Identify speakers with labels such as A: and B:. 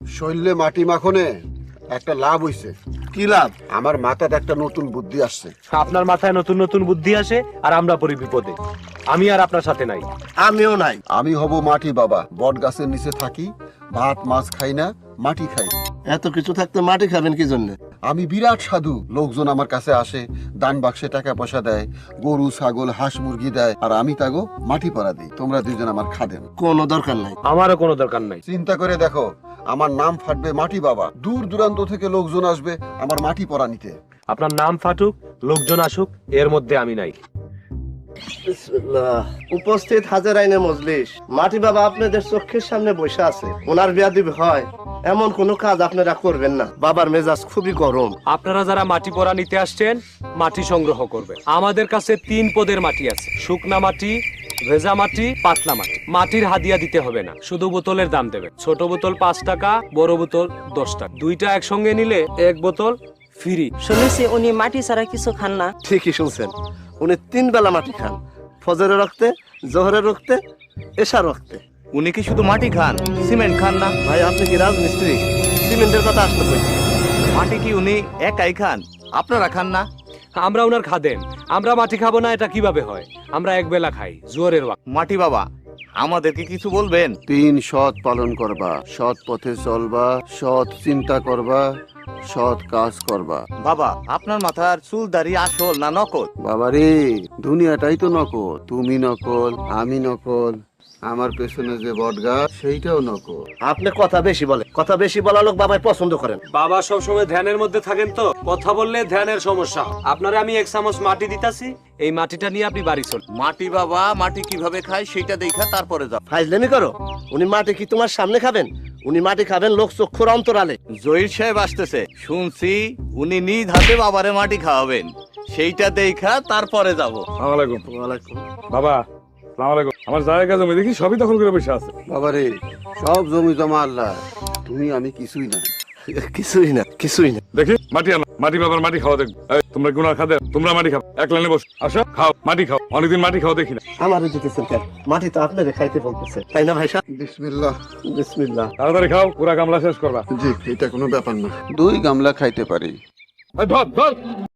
A: শৈলে মাটি মাখনে একটা লাভ হইছে।
B: কি লাভ?
A: আমার মাথায় একটা নতুন বুদ্ধি আসছে।
C: আপনার মাথায় নতুন নতুন বুদ্ধি আসে আর আমরা পড়ি বিপদে। আমি আর আপনার সাথে নাই।
B: আমিও নাই।
A: আমি হব মাটি বাবা, বট গাছের নিচে থাকি, ভাত মাছ খাই না, মাটি খাই।
B: এত কিছু থাকতে মাটি খাবেন কি জন্য?
A: আমি বিরাট সাধু, লোকজন আমার কাছে আসে, দান বাক্সে টাকা পয়সা দেয়, গরু ছাগল হাঁস মুরগি দেয়, আর আমি তাগো মাটি পরা দিই। তোমরা দুজন আমার খাদেন।
B: কোনো দরকার নাই।
C: আমারও কোনো দরকার নাই।
A: চিন্তা করে দেখো, আমার নাম ফাটবে মাটি বাবা, দূর দূরান্ত থেকে লোকজন আসবে আমার মাটি পরা নিতে।
C: আপনার নাম ফাটুক, লোকজন আসুক, এর মধ্যে আমি নাই।
B: বিসমিল্লাহ। উপস্থিত হাজার আইনে মজলিস, মাটি বাবা আপনাদের চোখের সামনে বসে আছে। ওনার বিয়াদবি হয় এমন কোনো কাজ আপনারা করবেন না। বাবার মেজাজ খুবই গরম।
C: আপনারা যারা মাটি পরা নিতে আসছেন, মাটি সংগ্রহ করবে। আমাদের কাছে 3 পদের মাটি আছে: শুকনা মাটি, ভেজা মাটি, পাতলা মাটি। মাটির হাদিয়া দিতে হবে না, শুধু বোতলের দাম দেবে। ছোট বোতল 5 টাকা, বড় বোতল 10 টাকা। দুইটা একসঙ্গে নিলে 1 বোতল ফ্রি।
D: শুনেছি উনি মাটি ছাড়া কিছু খান না।
B: ঠিকই শুনছেন, উনি 3 বেলা মাটি খান, ফজরের রক্তে, জোহরের রক্তে, এশার রক্তে।
E: উনি কি শুধু মাটি খান, সিমেন্ট খান না?
B: ভাই আপনি কি রাজমিস্ত্রি? সিমেন্টের কথা আসতে বলছি।
E: মাটি কি উনি একাই খান, আপনারা খান না?
C: আমরা ওনার খাদেন, আমরা মাটি খাবো না এটা কিভাবে হয়? আমরা এক বেলা খাই, জোয়ারের ওয়াক্ত।
E: মাটি বাবা, আমাদেরকে কিছু বলবেন?
A: 3 সৎ পালন করবা, সৎ পথে চলবা, সৎ চিন্তা করবা, সৎ কাজ করবা।
E: বাবা, আপনার মাথার চুল দাড়ি আসল না নকল?
A: বাবারে, দুনিয়াটাই তো নকল। তুমি নকল, আমি নকল, আমার পেছনে যে বটগাছ সেইটাও নকল।
B: আপনি কথা বেশি বলে, কথা বেশি বলা লোক বাবাই পছন্দ করেন।
C: বাবা সবসময় ধ্যানের মধ্যে থাকেন, তো কথা বললে ধ্যানের সমস্যা হয়। আপনারে আমি 1 চামচ মাটি দিতাছি, এই মাটিটা নিয়ে আপনি বাড়ি চল।
E: মাটি বাবা মাটি কিভাবে খায় সেটা দেখা তারপরে যাও।
B: ফাইজলামি করো। উনি মাটি কি তোমার সামনে খাবেন? উনি মাটি খাবেন লোক চক্ষুর অন্তরালে।
E: জহির সাহেব আসতেছে, শুনছি উনি নিজ হাতে বাবারে মাটি খাওয়াবেন, সেইটা দেখা তারপরে যাব।
B: ওয়ালাইকুম।
F: বাবা সালাম আলাইকুম। আমার জায়গা জমি দেখি সবই দখল করে বসে আছে।
A: বাবারে, সব জমি জমা আল্লাহ, তুমি আমি কিছুই না।
B: কিছুই না, কিছুই না।
F: দেখি মাটি আনো, মাটি বাবার মাটি খাওয়া দেখো। এই, তোমরা গুনার খাদের, তোমরা মাটি খাও, এক লাইনে বস, আসো খাও, মাটি খাও। অনেকদিন মাটি খাওয়া দেখি না।
B: আমারও জিতেছেন কেন? মাটি তো আপনাদের খাইতে বলতেছে, তাই না ভাই সাহেব?
A: বিসমিল্লাহ।
B: বিসমিল্লাহ।
F: তাড়াতাড়ি খাও, পুরা গামলা শেষ করবা।
A: জি, এটা কোনো ব্যাপার না, 2 গামলা খাইতে পারি।
F: এই, ধর ধর।